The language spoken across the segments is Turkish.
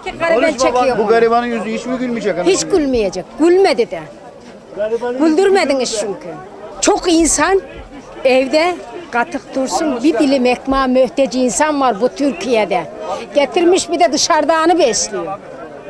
Gariban çekiyor. Bu garibanın yüzü hiç mi gülmeyecek? Hiç gülmeyecek. Gülmedi de. Güldürmediniz çünkü. Çok insan evde katık dursun, bir dilim ekmeğe mühtaç insan var bu Türkiye'de. Getirmiş bir de dışarıdanı besliyor.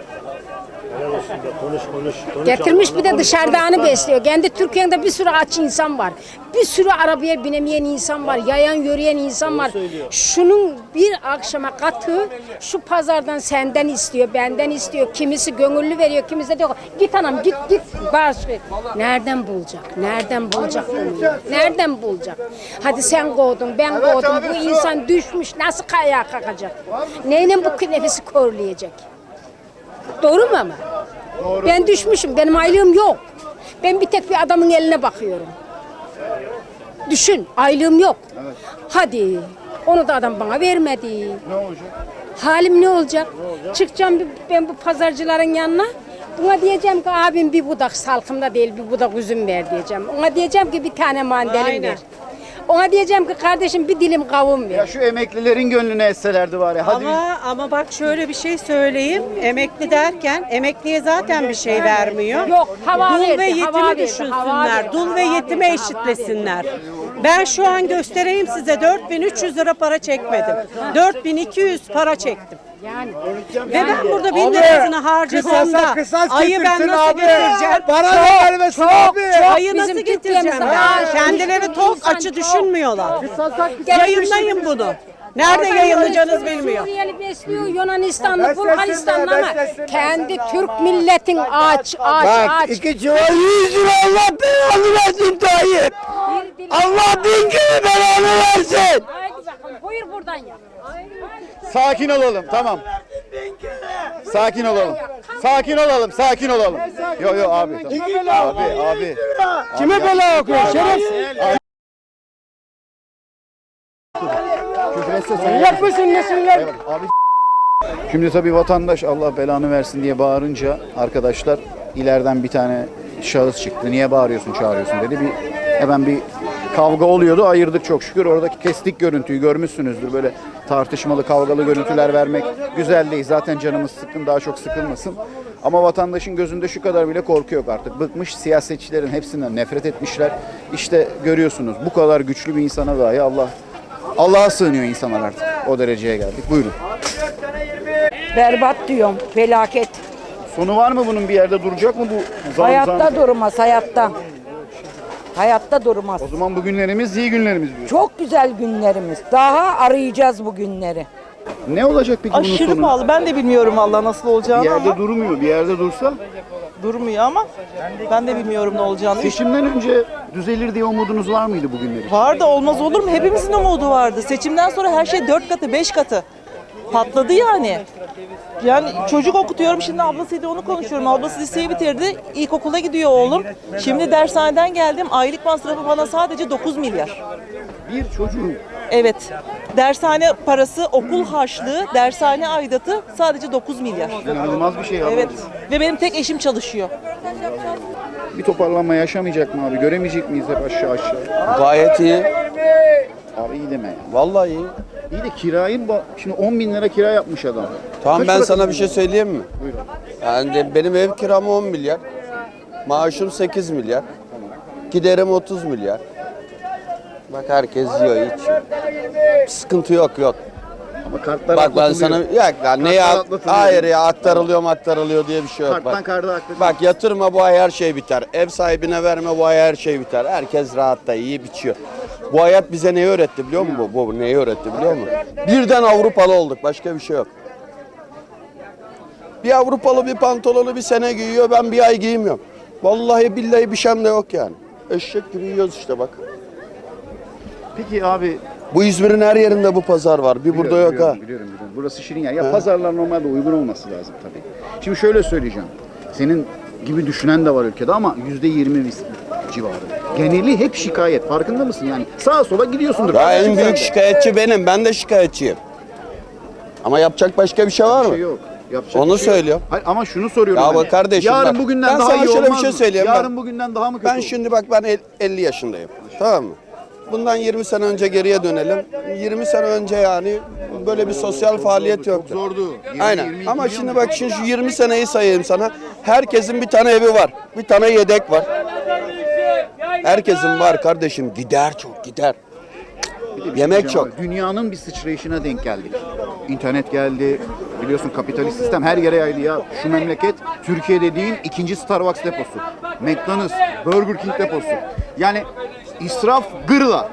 Getirmiş bir de dışarıdanı besliyor. Kendi Türkiye'de bir sürü aç insan var. Bir sürü arabaya binemeyen insan var. Yayan yürüyen insan var. Şunun bir akşama katı şu pazardan senden istiyor, benden istiyor. Kimisi gönüllü veriyor, kimisi de diyor git anam git bağış ver. Nereden bulacak? Nereden bulacak bunu? Nereden bulacak? Hadi sen kovdun, ben kovdum. Bu insan düşmüş. Nasıl ayağa kalkacak? Neyle bu nefesi korlayacak? Doğru mu ama? Doğru. Ben düşmüşüm, benim aylığım yok. Ben bir tek bir adamın eline bakıyorum. Düşün, aylığım yok. Evet. Hadi, onu da adam bana vermedi. Ne olacak? Halim ne olacak? Çıkacağım ben bu pazarcıların yanına. Ona diyeceğim ki abim bir budak salkımda değil, bir budak üzüm ver diyeceğim. Ona diyeceğim ki bir tane mandalin ver. Ona diyeceğim ki kardeşim bir dilim kavun ver. Ya şu emeklilerin gönlüne etselerdi var ya. Hadi Ama bak şöyle bir şey söyleyeyim. Emekli derken emekliye zaten bir şey vermiyor. Yok, hava Dul verdi, ve hava yetimi verdi, düşünsünler. hava verdi, Dul ve hava yetime verdi, eşitlesinler. Ben şu an göstereyim size 4.300 lira para çekmedim. 4.200 para çektim. Yani. Ve ben burada 1000 lirasını harcasam da ayı ben nasıl getireceğim? Bana da vermesin abi. Ayı nasıl Bizim getireceğim Türkiye'mizde ben? maaş- Kendileri tok İnsan açı çok- düşünmüyorlar. Yayınlayın bunu. Nerede yayınlayacağınız bilmiyor. Suriyeli besliyor, Yunanistanlı, Beslesinler, Bulgaristanlı ama beslesinler. kendi Türk milletin aç. Bak 2 çuval 100 lira Allah belanı versin Tayyip. Allah bin kere belanı versin. Haydi bakalım, buyur buradan ya. sakin olalım, tamam. Sakin olalım. Sakin olalım, sakin olalım. Yok abi. Tamam. Abi. Kime bela okuyor şerefsiz? Küfür etse sen. Yapmışsın nesinler? Abi şimdi tabii vatandaş Allah belanı versin diye bağırınca arkadaşlar ileriden bir tane şahıs çıktı. Niye bağırıyorsun, çağırıyorsun dedi. Hemen bir kavga oluyordu. Ayırdık çok şükür. Oradaki kestik görüntüyü görmüşsünüzdür. Böyle tartışmalı, kavgalı görüntüler vermek güzel değil. Zaten canımız sıkkın, daha çok sıkılmasın. Ama vatandaşın gözünde şu kadar bile korku yok artık. Bıkmış, siyasetçilerin hepsinden nefret etmişler. İşte görüyorsunuz bu kadar güçlü bir insana dahi Allah'a sığınıyor insanlar artık. O dereceye geldik. Buyurun. Berbat diyorum, felaket. Sonu var mı bunun, bir yerde duracak mı bu zam? Hayatta durmaz, hayatta. Hayatta durmaz. O zaman bu günlerimiz iyi günlerimiz diyor. Çok güzel günlerimiz. Daha arayacağız bu günleri. Ne olacak peki bunun Aşırı sonu? pahalı. Ben de bilmiyorum valla nasıl Bir olacağını yerde ama durmuyor. Bir yerde dursa durmuyor ama ben de bilmiyorum ne olacağını. seçimden önce düzelir diye umudunuz var mıydı bugünler için? Var da olmaz olur mu? Hepimizin umudu vardı. Seçimden sonra her şey 4 katı, 5 katı. Patladı yani. Yani çocuk okutuyorum şimdi ablasıyla onu konuşuyorum. Ablası liseyi bitirdi. İlkokula gidiyor oğlum. Şimdi dershaneden geldim. Aylık masrafı bana sadece 9 milyar. Bir çocuğun Evet. Dershane parası, okul harçlığı, dershane aidatı sadece 9 milyar. inanılmaz bir şey abi. Evet. Ve benim tek eşim çalışıyor. Bir toparlanma yaşamayacak mı abi? Göremeyecek miyiz hep aşağı? Gayet iyi. Abi iyi deme ya. Vallahi iyi. İyi de kirayı şimdi 10 bin lira kira yapmış adam. Tamam Kaç ben para sana bir kazanıyor? şey söyleyeyim mi? Buyurun. Yani benim ev kiram 10 milyar. Maaşım 8 milyar. Giderim 30 milyar. Bak herkes yiyor içiyor. Sıkıntı yok. Ama kartlar Bak ben sana atlatılıyor. neye atlatılıyor. hayır ya aktarılıyor diye bir şey yok. Karttan Bak. karda aktarılıyor. Bak yatırma bu ay her şey biter. Ev sahibine verme bu ay her şey biter. Herkes rahatta iyi biçiyor. Bu hayat bize neyi öğretti biliyor musun? Bu neyi öğretti biliyor musun? Birden Avrupalı olduk. Başka bir şey yok. Bir Avrupalı bir pantolonu bir sene giyiyor. Ben bir ay giymiyorum. Vallahi billahi bir şeyim de yok yani. Eşek gibi yiyoruz işte bak. Peki abi Bu İzmir'in her yerinde bu pazar var. Bir burada yok ha. Biliyorum. Burası şirin yer. Ya pazarlar normalde uygun olması lazım tabii. Şimdi şöyle söyleyeceğim. Senin gibi düşünen de var ülkede ama %20 civarı. Geneli hep şikayet. Farkında mısın yani? Sağa sola gidiyorsundur. Ya Kardeşim en sen büyük de. şikayetçi benim. Ben de şikayetçiyim. Ama yapacak başka bir şey var Bir mı? şey yok. Yapacak Onu bir şey yok. söylüyor. Hayır, ama şunu soruyorum. Ya ben. bak kardeşim Yarın bak, bugünden ben daha sana iyi şöyle bir olmaz şey mı? söyleyeyim Yarın bak. bugünden daha mı kötü Ben olur? şimdi bak ben 50 yaşındayım. Tamam mı? bundan 20 sene önce geriye dönelim. 20 sene önce yani böyle bir sosyal faaliyet yoktu. Zordu. 20, Aynen. 22 Ama yıl şimdi mı? bak şimdi şu 20 seneyi sayayım sana. Herkesin bir tane evi var. Bir tane yedek var. Herkesin var kardeşim. Gider çok gider. Yemek çok. Dünyanın bir sıçrayışına denk geldik. İnternet geldi. Biliyorsun kapitalist sistem her yere yaydı ya. Şu memleket Türkiye dediğin ikinci Starbucks deposu. McDonald's, Burger King deposu. Yani israf gırla.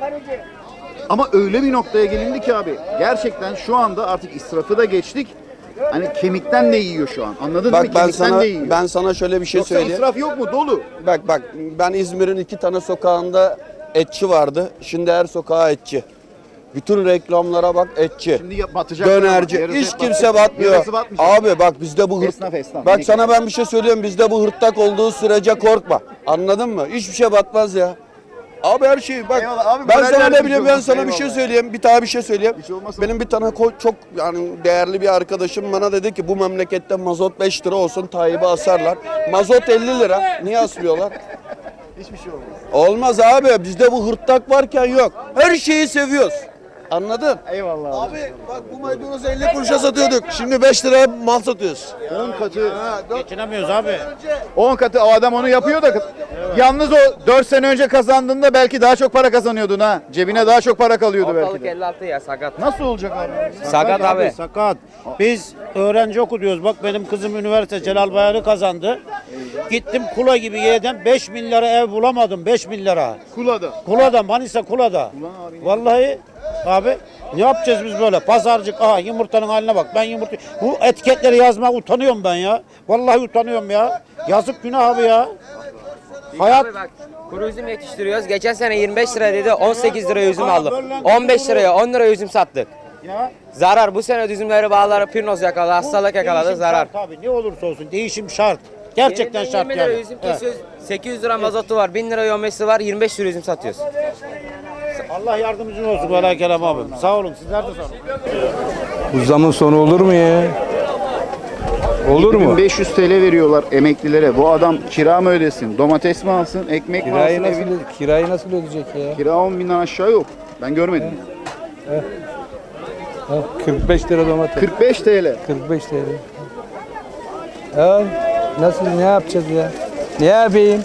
Ama öyle bir noktaya gelindi ki abi. Gerçekten şu anda artık israfı da geçtik. Hani kemikten de yiyor şu an. Anladın mı? Bak Kemikten de yiyor. ben sana şöyle bir şey Yoksa söyleyeyim. israf yok mu? Dolu. Bak ben İzmir'in 2 tane sokağında etçi vardı. Şimdi her sokağa etçi. Bütün reklamlara bak etçi. Şimdi batacak. Dönerci. Yarısı Hiç hep kimse batacak. batmıyor. Yarısı batmayacak. Abi bak bizde bu Esnaf. Bak sana ben bir şey söylüyorum. Bizde bu hırtlak olduğu sürece korkma. Anladın mı? Hiçbir şey batmaz ya. Abi her şey bak. Eyvallah abi, Ben moral sana vermiş ne bileyim ben oldun. sana bir şey Eyvallah. söyleyeyim. Bir daha bir şey söyleyeyim. Bir şey olmasın. Benim bir tane çok yani değerli bir arkadaşım bana dedi ki bu memlekette mazot 5 lira olsun Tayyip'i asarlar. Mazot 50 lira. Niye asmıyorlar? Hiçbir şey olmaz. Olmaz abi. Bizde bu hırtlak varken yok. Her şeyi seviyoruz. Anladın? Eyvallah abi. Abi bak bu maydanozu 50 kuruşa satıyorduk. Şimdi 5 liraya mal satıyoruz. 10 katı. Geçinemiyoruz abi. 10 katı o adam onu yapıyor da yalnız o 4 sene önce kazandığında belki daha çok para kazanıyordun ha. Cebine daha çok para kalıyordu belki de. 56 ya sakat. Nasıl olacak abi? Sakat abi. Sakat. Biz öğrenci okuyoruz. Bak benim kızım üniversite Celal Bayar'ı kazandı. Gittim Kula gibi yerden 5 bin lira ev bulamadım. 5 bin lira. Kula'da. Kula'da, Manisa Kula'da. Vallahi abi ne yapacağız biz böyle? Pazarcık, aha yumurtanın haline bak. Ben yumurta, bu etiketleri yazmaya utanıyorum ben ya. Vallahi utanıyorum ya. Yazık günah abi ya. Hayat Abi bak kuru üzüm yetiştiriyoruz. Geçen sene 25 lira dedi 18 liraya üzüm Aa, aldım. böyle 15 liraya 10 liraya üzüm sattık. ya. Zarar bu sene üzümleri bağları pirnoz yakaladı, hastalık yakaladı Değişim zarar. şart abi. Ne olursa olsun değişim şart. Gerçekten Yeniden şart 20 lira yani. üzüm Evet. kesiyoruz. 800 lira mazotu var, 1000 lira yomesi var, 25 lira üzüm satıyoruz. Allah yardımcın olsun Vela Kerem abim. Sağ olun. Sizler de sağ olun. Bu zamın sonu olur mu ya? Olur mu? 1500 TL veriyorlar emeklilere. Bu adam kira mı ödesin? Domates mi alsın? Ekmek mi Kirayı alsın? nasıl, kirayı nasıl ödeyecek ya? Kira 10 binden aşağı yok. Ben görmedim. Ha, 45 lira domates. 45 TL. 45 TL. Ya nasıl ne yapacağız ya? Ne yapayım?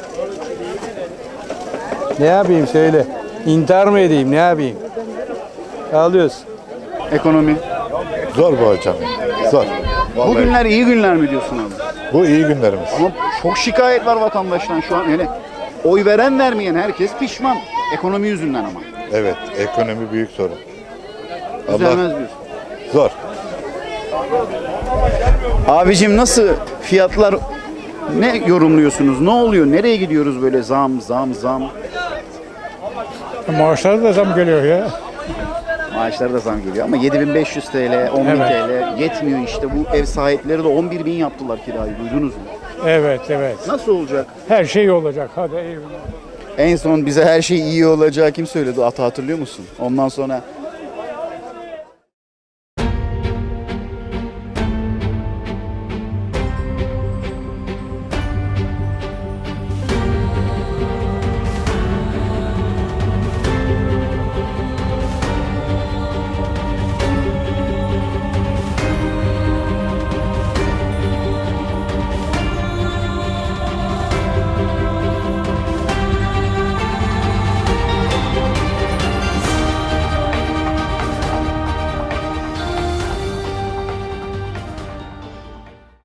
Ne yapayım söyle. İntihar mı edeyim ne yapayım? Ağlıyoruz. Ekonomi. Zor bu hocam. Zor. Vallahi. Bu günler iyi günler mi diyorsun abi? Bu iyi günlerimiz. Ama çok şikayet var vatandaştan şu an. Yani oy veren vermeyen herkes pişman. Ekonomi yüzünden ama. Evet, ekonomi büyük sorun. Düzelmez Allah diyorsun. zor. Abicim nasıl fiyatlar, ne yorumluyorsunuz? Ne oluyor? Nereye gidiyoruz böyle zam? Maaşlara da zam geliyor ya. Maaşlara da zam geliyor ama 7500 TL, 10.000 TL yetmiyor işte. Bu ev sahipleri de 11.000 yaptılar kirayı. Duydunuz mu? Evet. Nasıl olacak? Her şey olacak. Hadi eyvallah. En son bize her şey iyi olacağı kim söyledi? Hatırlıyor musun? Ondan sonra